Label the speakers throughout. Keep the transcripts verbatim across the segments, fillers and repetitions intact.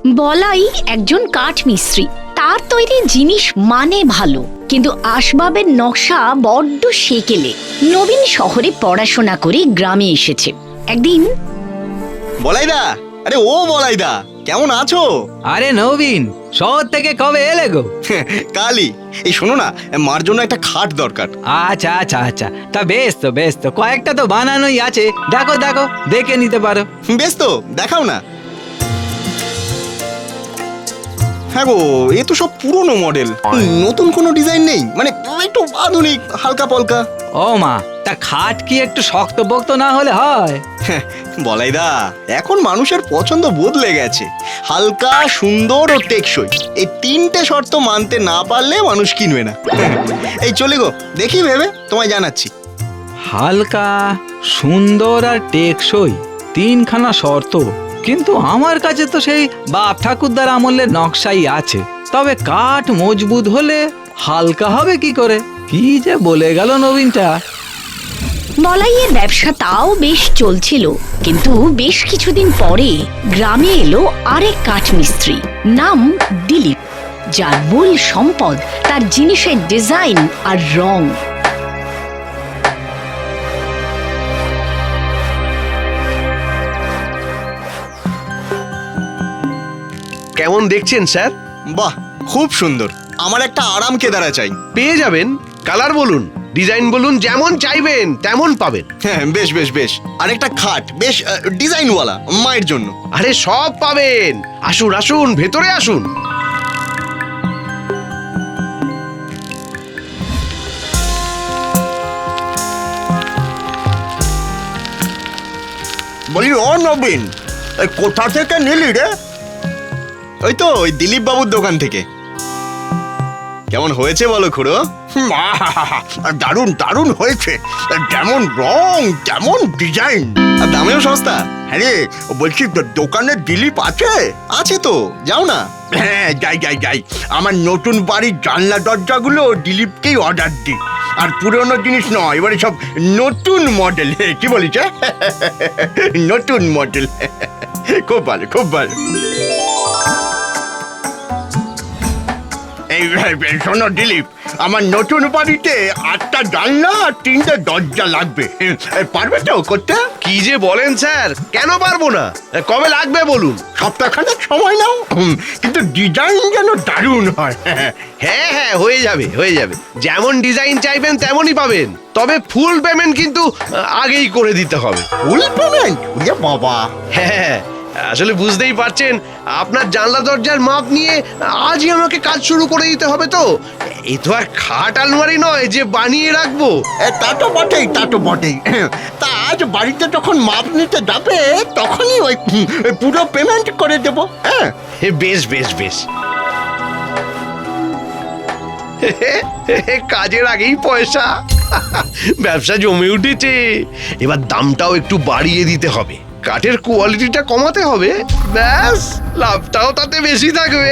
Speaker 1: বলাই একজন কাঠমিস্ত্রি। তার তৈরি জিনিস মানে ভালো, কিন্তু আসবাবের নকশা বড্ড সেকেলে। নবীন শহরে পড়াশোনা করে গ্রামে এসেছে। একদিন
Speaker 2: বলাইদা, আরে ও বলাইদা, কেমন আছো?
Speaker 3: আরে নবীন, শহর থেকে কবে এলে গো?
Speaker 2: কালই। এই শোনো না, মার জন্য একটা খাট দরকার।
Speaker 3: আচ্ছা আচ্ছা আচ্ছা, তা বেশ তো বেশ তো, কয়েকটা তো বানানোই আছে, দেখো দেখো দেখে নিতে পারো।
Speaker 2: বেশ তো, দেখাও না। হ্যাঁ গো, এ তো সব পুরনো মডেল, নতুন কোনো ডিজাইন নেই, মানে একটু আধুনিক হালকা পলকা।
Speaker 3: ও মা, তা খাট কি একটু শক্ত পোক্ত না হলে হয়?
Speaker 2: বলাইদা, এখন মানুষের পছন্দ বদলে গেছে। হালকা, সুন্দর ও টেকসই, এই তিনটে শর্ত মানতে না পারলে মানুষ কিনবে না। এই চলে গো, দেখি ভেবে তোমায় জানাচ্ছি।
Speaker 3: হালকা, সুন্দর আর টেকসই, তিনখানা শর্ত। কিন্তু আমার কাছে তো সেই বাপ ঠাকুরদার আমলের নকশাই আছে। তবে কাঠ মজবুত হলে হালকা হবে কি করে? কি যে বলে গেল নবীনটা।
Speaker 1: বলাইয়ের ব্যবসা তাও বেশ চলছিল, কিন্তু বেশ কিছুদিন পরে গ্রামে এলো আরেক কাঠমিস্ত্রি, নাম দিলীপ, যার মূল সম্পদ তার জিনিসের ডিজাইন আর রং।
Speaker 4: কেমন দেখছেন স্যার?
Speaker 2: বাহ, খুব সুন্দর। আমার একটা আরাম কেদারা চাই।
Speaker 4: পেয়ে যাবেন। কালার বলুন, ডিজাইন বলুন, যেমন চাইবেন তেমন পাবেন।
Speaker 2: হ্যাঁ, বেশ বেশ বেশ। আর একটা খাট, বেশ ডিজাইনওয়ালা, মায়ের জন্য।
Speaker 4: আরে সব পাবেন, আসুন আসুন, ভেতরে আসুন।
Speaker 2: বলি, ও নবীন, কোথা থেকে নিলি রে? ওই তো ওই দিলীপ বাবুর দোকান থেকে। কেমন হয়েছে বলো খুড়ো?
Speaker 5: দারুণ দারুণ হয়েছে, যেমন রং তেমন ডিজাইন,
Speaker 2: আর দামেও সস্তা।
Speaker 5: হ্যাঁ রে, বলছি দোকানে দিলীপ আছে?
Speaker 2: আছে তো, যাও না।
Speaker 5: হ্যাঁ, যাই যাই যাই। আমার নতুন বাড়ির জানলা দরজাগুলো দিলীপকেই অর্ডার দিই। আর পুরনো জিনিস নয়, এবারে সব নতুন মডেল। কি বলিস? নতুন মডেল। খুব ভালো, খুব ভালো। এই শোনো দিলীপ, আমার নতুন বাড়িতে আটটা জানলা আর তিনটে দরজা লাগবে। পারবে তো করতে?
Speaker 4: কি যে বলেন স্যার, কেন পারবো না? কবে লাগবে বলুন।
Speaker 5: সপ্তাহখানেক সময় নাও, কিন্তু ডিজাইন যেন দারুণ হয়।
Speaker 4: হ্যাঁ হ্যাঁ, হয়ে যাবে হয়ে যাবে, যেমন ডিজাইন চাইবেন তেমনই পাবেন। তবে ফুল পেমেন্ট কিন্তু আগেই করে দিতে হবে।
Speaker 5: Full payment? বাবা!
Speaker 4: হ্যাঁ, আসলে বুঝতেই পারছেন, আপনার জানলা দরজার মাপ নিয়ে আজই আমাকে কাজ শুরু করে দিতে হবে। তো এই তো আর খাট আলমারি নয় যে বানিয়ে রাখবো।
Speaker 5: তা তো বটেই, তা তো বটেই। তা আজ বাড়িতে যখন মাপ নিতে যাবে তখনই ওই পুরো পেমেন্ট করে দেবো। হ্যাঁ,
Speaker 4: বেশ বেশ বেশ। কাজের আগেই পয়সা, ব্যবসা জমে উঠেছে। এবার দামটাও একটু বাড়িয়ে দিতে হবে, কাঠের কোয়ালিটিটা কমাতে হবে, ব্যাস লাভটাও তাতে বেশি থাকবে।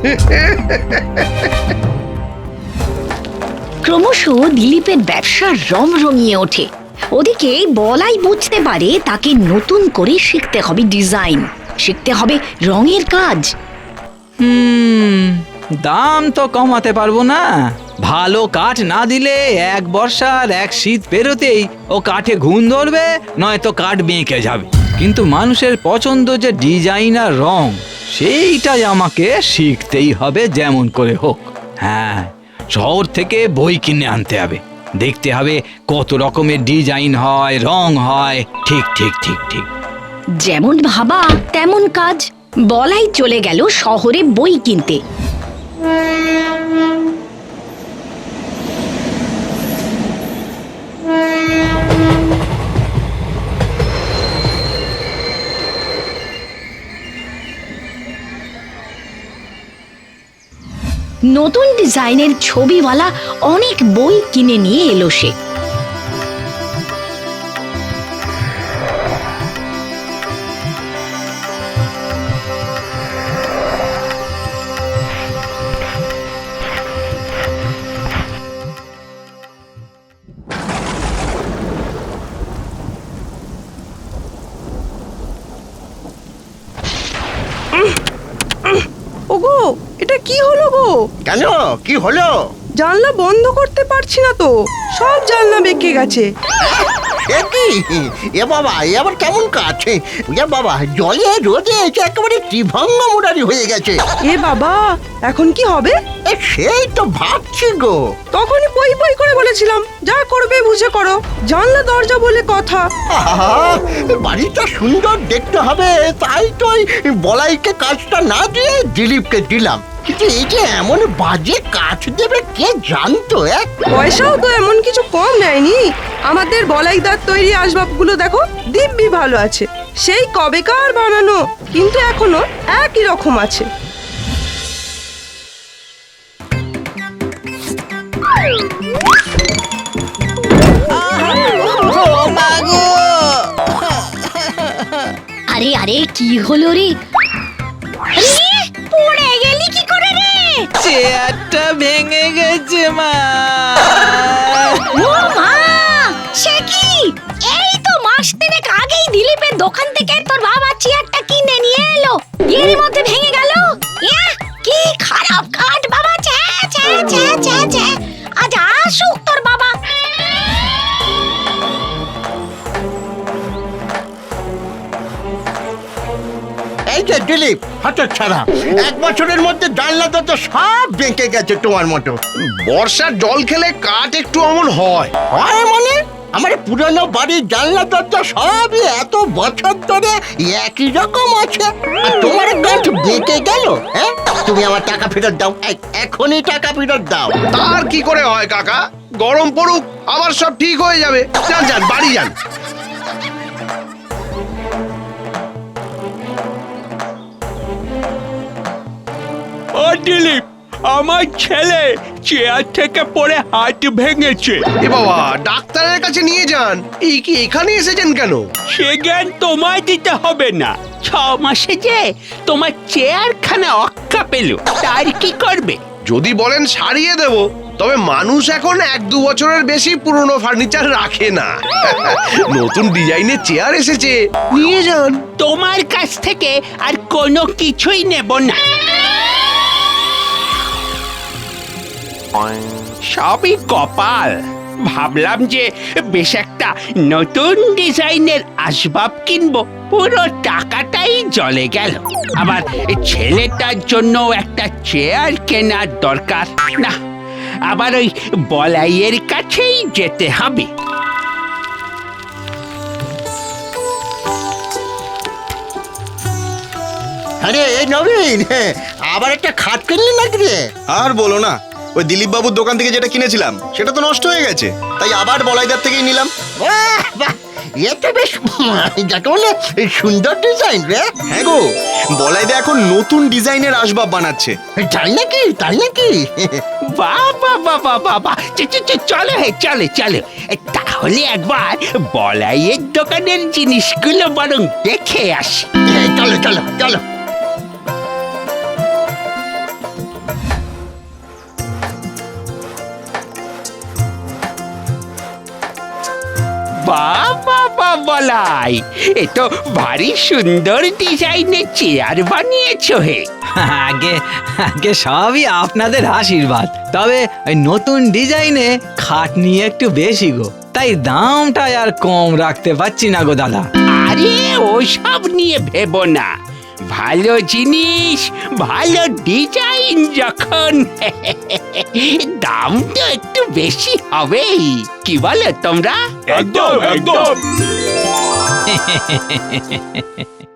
Speaker 1: ক্রমশ দিলীপের ব্যবসা রমরমিয়ে ওঠে। ওদিকে বলাই বুঝতে পারে তাকে নতুন করে শিখতে হবে ডিজাইন, শিখতে হবে রঙের কাজ।
Speaker 3: হুম, দাম তো কমাতে পারবো না। ভালো কাঠ না দিলে এক বর্ষার এক শীত পেরোতেই ও কাঠে ঘুণ ধরবে, নয়তো কাঠ বেঁকে যাবে। কিন্তু মানুষের পছন্দ যে ডিজাইন আর রং, সেইটাই আমাকে শিখতেই হবে যেমন করে হোক। হ্যাঁ, শহর থেকে বই কিনে আনতে হবে, দেখতে হবে কত রকমের ডিজাইন হয়, রং হয়। ঠিক ঠিক ঠিক ঠিক।
Speaker 1: যেমন ভাবা তেমন কাজ। বলাই চলে গেল শহরে বই কিনতে। নতুন ডিজাইনের ছবিওয়ালা অনেক বই কিনে নিয়ে এলো সে।
Speaker 6: কি হলো গো?
Speaker 5: কেন কি হলো?
Speaker 6: জানলা বন্ধ করতে পারছি না তো, সব জানলা বেঁকে গেছে।
Speaker 5: এ কি? এ বাবা, এ আবার কেমন কাজ? এ বাবা, জলে রোদে এটা একেবারে ত্রিভঙ্গ মুরারি হয়ে গেছে।
Speaker 6: এ বাবা, এখন কি হবে?
Speaker 5: এ সেই তো ভাবছি গো।
Speaker 6: তখনই পই পই করে বলেছিলাম, যা করবে বুঝে করো, জানলা দরজা বলে কথা।
Speaker 5: আহা, বাড়িটা সুন্দর দেখতে হবে তাই তো ওই বলাইকে কাজটা না দিয়ে দিলীপকে দিলাম। কিন্তু এই যে এমন বাজে কাজ দেবে কে জানতো? এক
Speaker 6: পয়সাও তো এমন কিছু কম নেয়নি। আমাদের বলাইদার তৈরি আসবাবগুলো দেখো, দিব্যি ভালো আছে, সেই কবেকার বানানো, কিন্তু এখনো একই রকম আছে।
Speaker 1: আরে আরে কি হলো রে? আরে, পড়ে গেলি কি করে রে?
Speaker 3: চেয়ারটা ভেঙে গেছে মা।
Speaker 1: ও মা, সে কি? এই তো মাস তিনেক আগেই দিলীপের দোকান থেকে তোর বাবা চেয়ারটা কিনে নিয়ে এলো, এরই মধ্যে ভেঙে গেল। ইয়া, কি খারাপ কাঠ বাবা! ছ্যা ছ্যা ছ্যা ছ্যা ছ্যা। আজ আসুক তোর বাবা।
Speaker 5: এই যে দিলীপ, হাতের ছাড়া এক বছরের মধ্যে জানলা তো সব বেঁকে গেছে তোমার মতো।
Speaker 4: বর্ষার জল খেলে কাঠ একটু অমন হয়।
Speaker 5: হয় মানে? আমার পুরনো বাড়ির জানলা দরজা সবই এত বছর ধরে একই রকম আছে, আর তোমার কাঠ বেঁকে গেল। হ্যাঁ, তুমি আমার টাকা ফেরত দাও, এই, এখনই টাকা ফেরত দাও।
Speaker 4: তার কি করে হয় কাকা? গরম পড়ুক, আবার সব ঠিক হয়ে যাবে। যান যান, বাড়ি যান।
Speaker 7: ও দিলীপ, আমার ছেলে চেয়ার থেকে পড়ে হাত ভেঙেছে।
Speaker 4: এ বাবা, ডাক্তারের কাছে নিয়ে যান। এই কি এখানে এসেছেন কেন?
Speaker 7: সে জ্ঞান তোমায় দিতে হবে না। ছ মাসে যে তোমার চেয়ারখানা অক্কা পেল, তার কি করবে?
Speaker 4: যদি বলেন সারিয়ে দেব, তবে মানুষ এখন এক দু বছরের বেশি পুরনো ফার্নিচার রাখে না। নতুন ডিজাইনের চেয়ার এসেছে, নিয়ে যান।
Speaker 7: তোমার কাছ থেকে আর কোনো কিছুই নেব না। সবই কপাল। ভাবলাম যে বেশ একটা নতুন ডিজাইনের আসবাব কিনবো, পুরো টাকাটাই জলে গেল। আবার ছেলেটার জন্য একটা চেয়ার কেনার দরকার। না, আবার ওই বলাইয়ের কাছেই যেতে হবে।
Speaker 5: আরে এই নবীন, হ্যাঁ, আবার একটা খাট কিনলি নাকি রে?
Speaker 2: আর বলো না, ওই দিলীপ বাবুর দোকান থেকে যেটা কিনেছিলাম সেটা তো নষ্ট হয়ে গেছে, তাই আবার বলাইদার থেকেই নিলাম।
Speaker 5: বাহ, বাহ, এ তো বেশ যাকে বলে সুন্দর ডিজাইন রে।
Speaker 2: হ্যাঁ গো, বলাইদা এখন নতুন ডিজাইনের আসবাব বানাচ্ছে।
Speaker 5: তাই নাকি? তাই নাকি?
Speaker 7: বাবা বাবা বাবা, চলো হে, চলে চলো। তাহলে একবার বলাইয়ের দোকানের জিনিসগুলো বরং দেখে আসি।
Speaker 5: এই, চলো চলো চলো।
Speaker 7: বাবা বাবা বলাই, এ তো ভারী সুন্দর ডিজাইনের চেয়ার বানিয়েছো হে।
Speaker 3: আগে আগে সবই আপনাদের আশীর্বাদ। তবে ওই নতুন ডিজাইনে খাট নিয়ে একটু বেশি গো, তাই দামটা আর কম রাখতে পারছি না গো দাদা।
Speaker 7: আরে ওসব নিয়ে ভেবো না, ভালো জিনিস ভালো ডিজাইন যখন দাম তো একটু বেশি হবেই। কি বলো তোমরা?
Speaker 5: একদম একদম।